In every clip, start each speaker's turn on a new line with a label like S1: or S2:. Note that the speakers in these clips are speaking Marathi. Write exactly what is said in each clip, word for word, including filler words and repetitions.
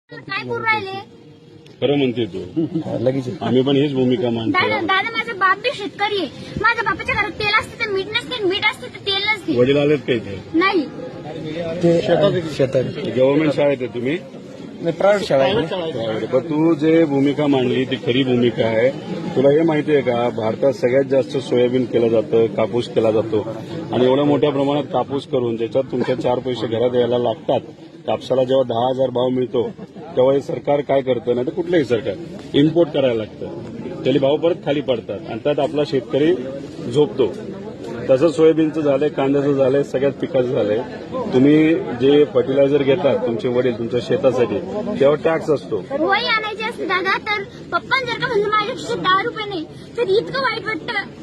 S1: काय करू राहिले?
S2: खरं म्हणते तू लगेच आम्ही पण हीच भूमिका
S1: दादा
S2: मानतो.
S1: दादा माझा बाप बी शेतकरी आहे. माझ्या बापाच्या घरात तेल असते तर मीठ नसते, मीठ असते तर तेल नसते.
S2: वडील आलेत का इथे?
S1: नाही
S3: शेतात
S2: गव्हर्नमेंट शाळेत आहे तुम्ही?
S3: प्रायव्हेट शाळा आहे.
S2: पण तू जे भूमिका मांडली ती खरी भूमिका आहे. तुला हे माहिती आहे का, भारतात सगळ्यात जास्त सोयाबीन केलं जातं, कापूस केला जातो आणि एवढ्या मोठ्या प्रमाणात कापूस करून ज्याच्यात तुमच्या चार पैसे घरात यायला लागतात. कापसाला जेव्हा दहा हजार भाव मिळतो तेव्हा हे सरकार काय करतं, नाही तर कुठलंही सरकार इम्पोर्ट करायला लागतं. त्याला भाव परत खाली पडतात आणि त्यात आपला शेतकरी झोपतो. तसं सोयाबीनचं झालंय, कांद्याचं झालंय, सगळ्याच पिकाचं झालंय. तुम्ही जे फर्टिलायझर घेतात तुमचे वडील तुमच्या शेतासाठी तेव्हा टॅक्स असतो.
S1: वही आणायची असते दादा, तर पप्पा जर का म्हणजे माझ्या खिशात दहा रुपये नाही तर इतकं वाईट वाटतं.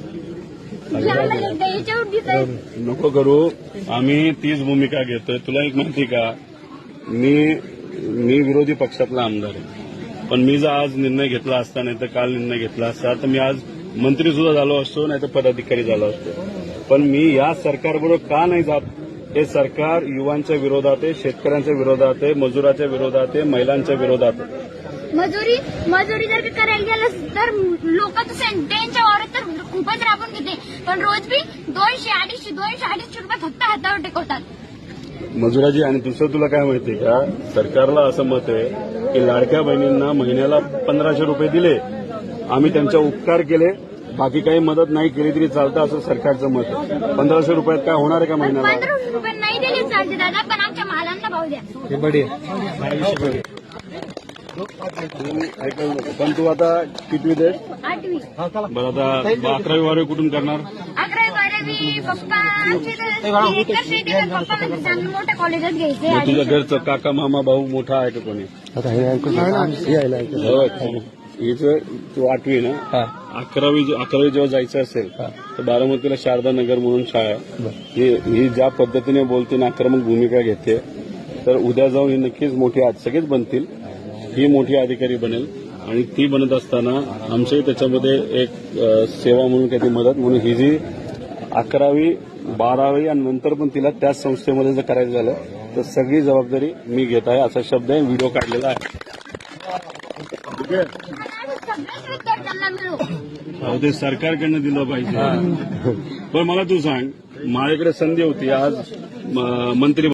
S2: नको करू, आम्ही तीच भूमिका घेतोय. तुला एक माहिती का, मी मी विरोधी पक्षातला आमदार आहे, पण मी जर आज निर्णय घेतला असता नाही तर काल निर्णय घेतला असता तर मी आज मंत्री सुद्धा झालो असतो, नाही तर पदाधिकारी झालो असतो. पण मी या सरकारबरोबर का नाही जात? हे सरकार युवांच्या विरोधात आहे, शेतकऱ्यांच्या विरोधात आहे, मजुराच्या विरोधात आहे, महिलांच्या विरोधात आहे.
S1: मजुरी मजुरी जर का करायला गेलं तर लोक त्यांच्या वावरात तर खूपच राबून घेते, पण रोज बी दोनशे अडीचशे दोनशे अडीचशे रुपये फक्त हातावर टेकवतात
S2: मजुराजी. आणि दुसरं तुला काय माहितीये का, सरकारला असं मत आहे की लाडक्या बहिणींना महिन्याला पंधराशे रुपये दिले, आम्ही त्यांचा उपकार केले, बाकी काही मदत नाही केली तरी चालतं, असं सरकारचं मत आहे. पंधराशे रुपयात काय होणार आहे का महिन्याला?
S1: पंधराशे रुपये नाही दिले चालते दादा, पण आमच्या मालांना भाव द्या.
S3: हे बडी
S2: पण तू आता कितवी दे?
S1: आठवी
S2: बरं, आता अकरावी बारावी कुठून करणार?
S1: अकरावी बारावी पप्पा आमचे तर एकर शेती आहे, पप्पा म्हणजे चांगलं मोठ्या कॉलेजात घ्यायचे.
S2: मग तुझ्या घरचं काका मामा भाऊ मोठा आहे का कोणी?
S3: आता हे ऐकून यायला
S2: हिचं तू आठवी ना, अकरावी अकरावी जेव्हा जायचं असेल तर बारामतीला शारदा नगर म्हणून शाळा आहे. ही ही ज्या पद्धतीने बोलते ना, आक्रमक भूमिका घेते, तर उद्या जाऊन ही नक्कीच मोठी, आज सगळेच बनतील, ही मोठी अधिकारी बनेल. आणि ती बनत असताना आमच्याही त्याच्यामध्ये एक सेवा म्हणून काही मदत म्हणून ही जी अकरावी बारावी आणि नंतर पण तिला त्याच संस्थेमध्ये जर करायचं झालं तर सगळी जबाबदारी मी घेत आहे, असा शब्द आहे. व्हिडिओ काढलेला आहे. ठीक आहे,
S1: सगळ्याच विद्यार्थ्यांना मिळू.
S2: ते सरकारकडनं दिलं पाहिजे. पण मला तू सांग, माझ्याकडे संधी होती आज मंत्री